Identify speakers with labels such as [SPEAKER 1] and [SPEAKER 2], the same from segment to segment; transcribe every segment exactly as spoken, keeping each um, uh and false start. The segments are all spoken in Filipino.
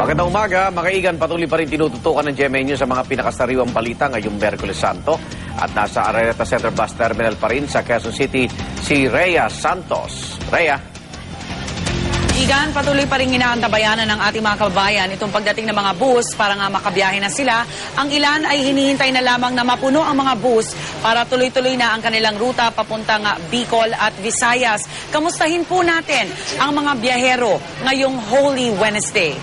[SPEAKER 1] Magandang umaga, mga kaigan, patuloy pa rin tinututukan ng G M A News sa mga pinakasariwang balita ngayong Miyerkules Santo. At nasa Araneta Center Bus Terminal pa rin sa Quezon City si Rhea Santos. Rhea.
[SPEAKER 2] Igan, patuloy pa rin inaantabayanan ng ating mga kababayan itong pagdating ng mga bus para nga makabiyahe na sila. Ang ilan ay hinihintay na lamang na mapuno ang mga bus para tuloy-tuloy na ang kanilang ruta papuntang Bicol at Visayas. Kamustahin po natin ang mga biyahero ngayong Holy Wednesday.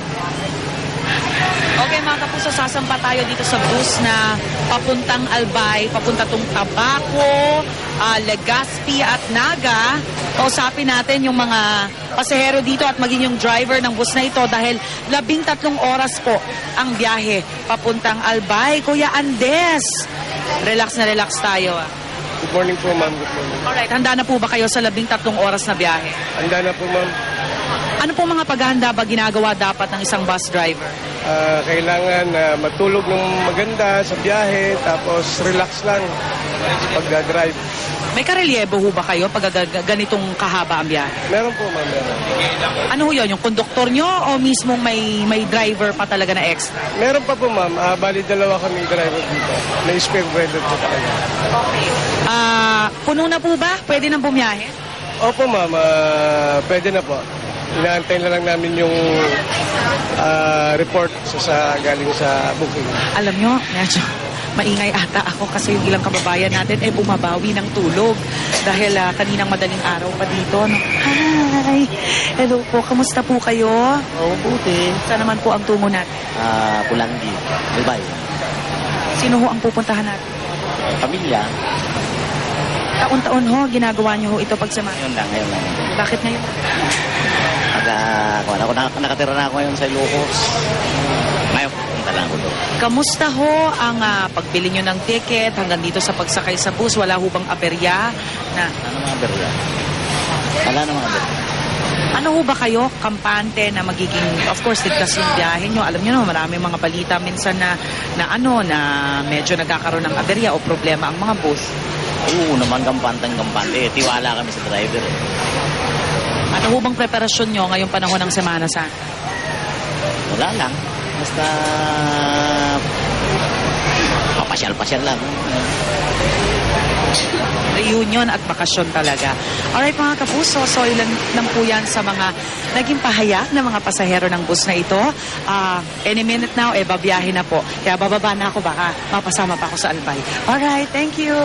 [SPEAKER 2] Okay mga kapuso, sasampa tayo dito sa bus na papuntang Albay, papunta tong Tabaco, uh, Legazpi at Naga. Kausapin natin yung mga pasahero dito at maging yung driver ng bus na ito dahil labing tatlong oras po ang biyahe papuntang Albay. Kuya Andes, relax na relax tayo. Ah.
[SPEAKER 3] Good morning po, ma'am. Good morning.
[SPEAKER 2] Alright, handa na po ba kayo sa labing tatlong oras na biyahe?
[SPEAKER 3] Handa na po, ma'am.
[SPEAKER 2] Ano po mga paghahanda ba ginagawa dapat ng isang bus driver?
[SPEAKER 3] Uh, kailangan uh, matulog ng maganda sa biyahe, tapos relax lang pag-drive.
[SPEAKER 2] May karelyebo ho ba kayo pag ganitong kahaba ang biyahe?
[SPEAKER 3] Meron po, ma'am. Meron.
[SPEAKER 2] Ano ho yun? Yung konduktor nyo o mismong may, may driver pa talaga na extra?
[SPEAKER 3] Meron pa po, ma'am. Uh, bali dalawa kami driver dito. May spare driver po talaga.
[SPEAKER 2] Okay. Ah, puno na po ba? Pwede nang bumiyahe?
[SPEAKER 3] Opo, ma'am. Uh, pwede na po. Inaantay na lang namin yung uh, report sa, sa galing sa booking.
[SPEAKER 2] Alam nyo, medyo maingay ata ako kasi yung ilang kababayan natin ay bumabawi ng tulog dahil uh, kaninang madaling araw pa dito. No? Hi! Hello po, kamusta po kayo?
[SPEAKER 4] Oo, buti.
[SPEAKER 2] Saan naman po ang tungo natin?
[SPEAKER 4] Ah, Pulanggi, Albay.
[SPEAKER 2] Sino ho ang pupuntahan natin?
[SPEAKER 4] Pamilya.
[SPEAKER 2] Taon-taon ho, ginagawa nyo ho ito pagsama.
[SPEAKER 4] Ngayon lang, ngayon lang.
[SPEAKER 2] Bakit ngayon?
[SPEAKER 4] Pag, uh, ako, nak nakatira na ako ngayon sa Ilocos. Ngayon, punta lang ako doon.
[SPEAKER 2] Kamusta ho ang uh, pagbili nyo ng ticket hanggang dito sa pagsakay sa bus? Wala ho bang aberya? Na,
[SPEAKER 4] Ano mga berya? Wala na mga berya.
[SPEAKER 2] ano ho ba kayo, kampante na magiging, of course, ligtas yung biyahe nyo? Alam nyo no, maraming mga balita minsan na, na ano, na medyo nagkakaroon ng aberya o problema ang mga bus.
[SPEAKER 4] Oo naman, gampantang-gampante. Tiwala kami sa driver. Eh.
[SPEAKER 2] Ano ho bang preparasyon nyo ngayong panahon ng Semana Santa?
[SPEAKER 4] Wala lang. Basta papasyal-pasyal lang.
[SPEAKER 2] Reunion at bakasyon talaga. Alright mga kapuso, so ilan lang po yan sa mga naging pahayag ng mga pasahero ng bus na ito. Uh, any minute now, eh, babiyahe na po. Kaya bababa na ako, baka mapasama pa ako sa Albay. Alright, thank you.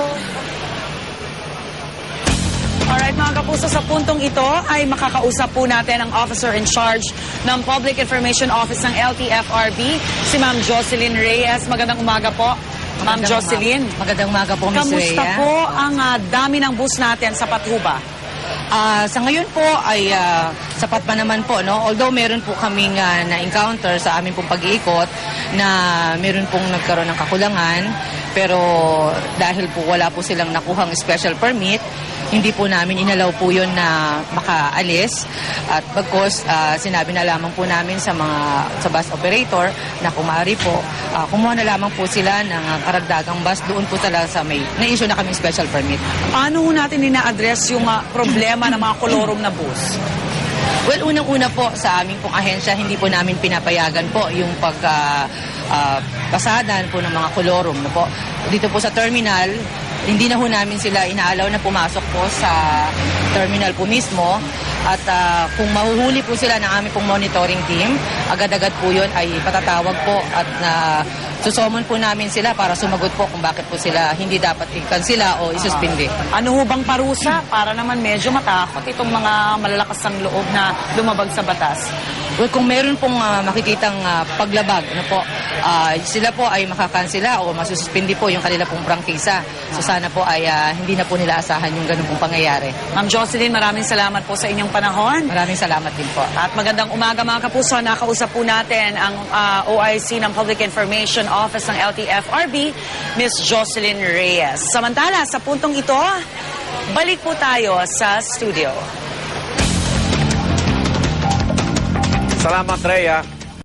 [SPEAKER 2] Alright mga kapuso, sa puntong ito ay makakausap po natin ang officer in charge ng Public Information Office ng L T F R B, si Ma'am Jocelyn Reyes. Magandang umaga po. Ma'am Jocelyn.
[SPEAKER 5] Magandang umaga po, Miz
[SPEAKER 2] Kamusta
[SPEAKER 5] Rhea?
[SPEAKER 2] po ang uh, dami ng bus natin sa Pathuba?
[SPEAKER 5] Uh, sa ngayon po ay uh, sapat pa naman po, no? Although meron po kaming uh, na-encounter sa aming pong pag-iikot na meron pong nagkaroon ng kakulangan, pero dahil po wala po silang nakuhang special permit, hindi po namin inalaw po yun na makaalis. At bagkos, uh, sinabi na lamang po namin sa mga sa bus operator na kung maaari po, uh, kumuha na lamang po sila ng uh, karagdagang bus doon po talaga sa may na-issue na kaming special permit.
[SPEAKER 2] Paano ho natin ina-address yung uh, problema ng mga kolorum na bus?
[SPEAKER 5] Well, unang-una po sa aming pong ahensya, hindi po namin pinapayagan po yung pag uh, uh, pasadan po ng mga kolorum. No po. Dito po sa terminal, hindi na ho namin sila inaalaw na pumasok po sa terminal po mismo. At uh, kung mahuhuli po sila ng aming pong monitoring team, agad-agad po yun ay patatawag po at na uh, susumon po namin sila para sumagot po kung bakit po sila hindi dapat i-cancela o isuspindi.
[SPEAKER 2] Uh, ano ho bang parusa para naman medyo matakot itong mga malalakas ng loob na lumabag sa batas?
[SPEAKER 5] Well, kung meron pong uh, makikitang uh, paglabag, ano po, uh, sila po ay makakansela o masususpindi po yung kanila pong prangkisa. So sana po ay uh, hindi na po nila asahan yung ganun pong pangyayari.
[SPEAKER 2] Ma'am Jocelyn, maraming salamat po sa inyong panahon.
[SPEAKER 5] Maraming salamat din po.
[SPEAKER 2] At magandang umaga mga kapuso. Nakausap po natin ang uh, O I C ng Public Information Office ng L T F R B, Miss Jocelyn Reyes. Samantala, sa puntong ito, balik po tayo sa studio.
[SPEAKER 1] Salamat, Rhea.